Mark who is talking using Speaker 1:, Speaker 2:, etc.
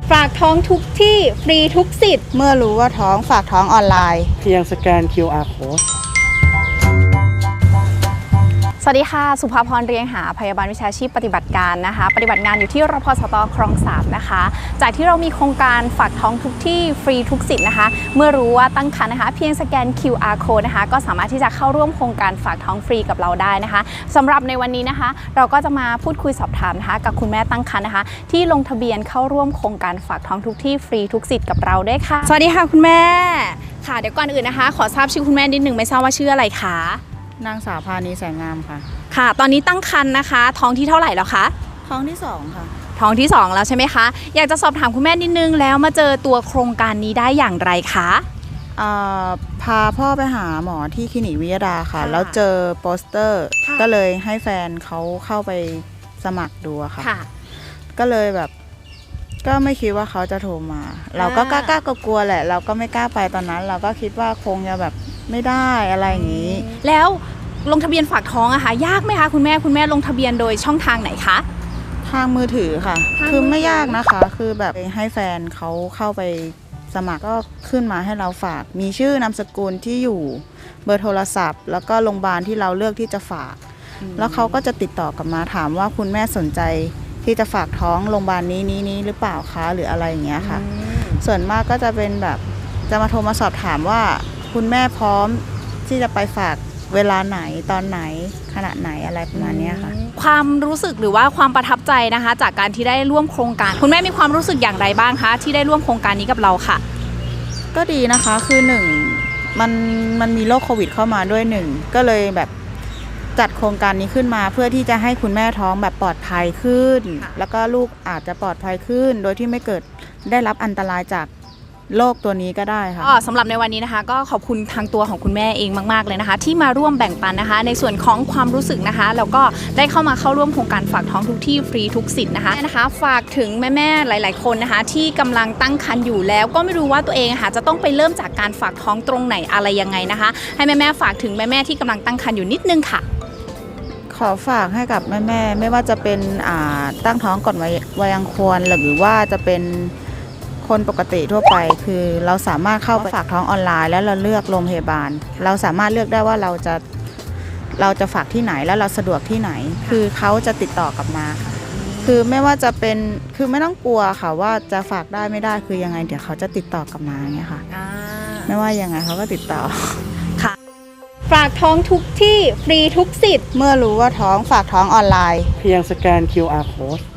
Speaker 1: ฝากท้องทุกที่ฟรีทุกสิทธิ์
Speaker 2: เมื่อรู้ว่าท้องฝากท้องออนไลน์
Speaker 3: เพียงสแกน QR Code
Speaker 1: สวัสดีค่ะสุภาพรเรียงหาพยาบาลวิชาชีพปฏิบัติการนะคะปฏิบัติงานอยู่ที่รพสตคลอง3นะคะจากที่เรามีโครงการฝากท้องทุกที่ฟรีทุกสิทธิ์นะคะเมื่อรู้ว่าตั้งครรภ์นะคะเพียงสแกน QR Code นะคะก็สามารถที่จะเข้าร่วมโครงการฝากท้องฟรีกับเราได้นะคะสำหรับในวันนี้นะคะเราก็จะมาพูดคุยสอบถามนะคะกับคุณแม่ตั้งครรภ์นะคะที่ลงทะเบียนเข้าร่วมโครงการฝากท้องทุกที่ฟรีทุกสิทธิ์กับเราด้วยค่ะสวัสดีค่ะคุณแม่ค่ะเดี๋ยวก่อนอื่นนะคะขอทราบชื่อคุณแม่นิดนึงไม่ทราบว่าชื่ออะไรคะ
Speaker 2: นางสาวพานีแสงงามค่ะ
Speaker 1: ค่ะตอนนี้ตั้งครรภ์นะคะท้องที่เท่าไหร่แล้วคะ
Speaker 2: ท้องที่2ค่ะ
Speaker 1: ท้องที่2แล้วใช่ไหมคะอยากจะสอบถามคุณแม่นิดนึงแล้วมาเจอตัวโครงการนี้ได้อย่างไรคะ
Speaker 2: พาพ่อไปหาหมอที่คลินิกวิทยาดาค่ะแล้วเจอโปสเตอร์ก็เลยให้แฟนเขาเข้าไปสมัครดูค่ะก็เลยแบบก็ไม่คิดว่าเขาจะโทรมาเราก็กล้ากลัวแหละเราก็ไม่กล้าไปตอนนั้นเราก็คิดว่าคงจะแบบไม่ได้อะไรอย่างนี้
Speaker 1: แล้วลงทะเบียนฝากท้องอะคะยากไหมคะคุณแม่ลงทะเบียนโดยช่องทางไหนคะ
Speaker 2: ทางมือถือค่ะคือไม่ยากนะคะคือแบบให้แฟนเขาเข้าไปสมัครก็ขึ้นมาให้เราฝากมีชื่อนามสกุลที่อยู่เบอร์โทรศัพท์แล้วก็โรงพยาบาลที่เราเลือกที่จะฝากแล้วเขาก็จะติดต่อกลับมาถามว่าคุณแม่สนใจที่จะฝากท้องโรงพยาบาลนี้หรือเปล่าคะหรืออะไรอย่างเงี้ยค่ะส่วนมากก็จะเป็นแบบจะมาโทรมาสอบถามว่าคุณแม่พร้อมที่จะไปฝากเวลาไหนตอนไหนขณะไหนอะไรประมาณนี้ค่ะ
Speaker 1: ความรู้สึกหรือว่าความประทับใจนะคะจากการที่ได้ร่วมโครงการคุณแม่มีความรู้สึกอย่างไรบ้างคะที่ได้ร่วมโครงการนี้กับเราค่ะ
Speaker 2: ก็ดีนะคะคือ1มันมีโรคโควิดเข้ามาด้วย1ก็เลยแบบจัดโครงการนี้ขึ้นมาเพื่อที่จะให้คุณแม่ท้องแบบปลอดภัยขึ้นแล้วก็ลูกอาจจะปลอดภัยขึ้นโดยที่ไม่เกิดได้รับอันตรายจากโรคตัวนี้ก็ได้ค่ะ
Speaker 1: สำหรับในวันนี้นะคะก็ขอบคุณทางตัวของคุณแม่เองมากๆเลยนะคะที่มาร่วมแบ่งปันนะคะในส่วนของความรู้สึกนะคะแล้วก็ได้เข้ามาเข้าร่วมโครงการฝากท้องทุกที่ฟรีทุกสิทธิ์นะคะฝากถึงแม่ๆหลายๆคนนะคะที่กำลังตั้งครรภ์อยู่แล้วก็ไม่รู้ว่าตัวเองจะต้องไปเริ่มจากการฝากท้องตรงไหนอะไรยังไงนะคะให้แม่ๆฝากถึงแม่ๆที่กำลังตั้งครรภ์อยู่นิดนึงค่ะ
Speaker 2: ขอฝากให้กับแม่ๆไม่ว่าจะเป็นตั้งท้องก่อนวัยอันควรหรือว่าจะเป็นคนปกติทั่วไปคือเราสามารถเข้าไปฝากท้องออนไลน์แล้วเราเลือกโรงพยาบาลเราสามารถเลือกได้ว่าเราจะฝากที่ไหนแล้วเราสะดวกที่ไหนคือเขาจะติดต่อกลับมาคือไม่ว่าจะเป็นคือไม่ต้องกลัวค่ะว่าจะฝากได้ไม่ได้คือยังไงเดี๋ยวเขาจะติดต่อกลับมาอย่างเงี้ยค่ะไม่ว่ายังไงเขาก็ติดต่อ
Speaker 1: ค่ะฝากท้องทุกที่ฟรีทุกสิทธิ์
Speaker 2: เมื่อรู้ว่าท้องฝากท้องออนไลน์
Speaker 3: เพียงสแกน QR Code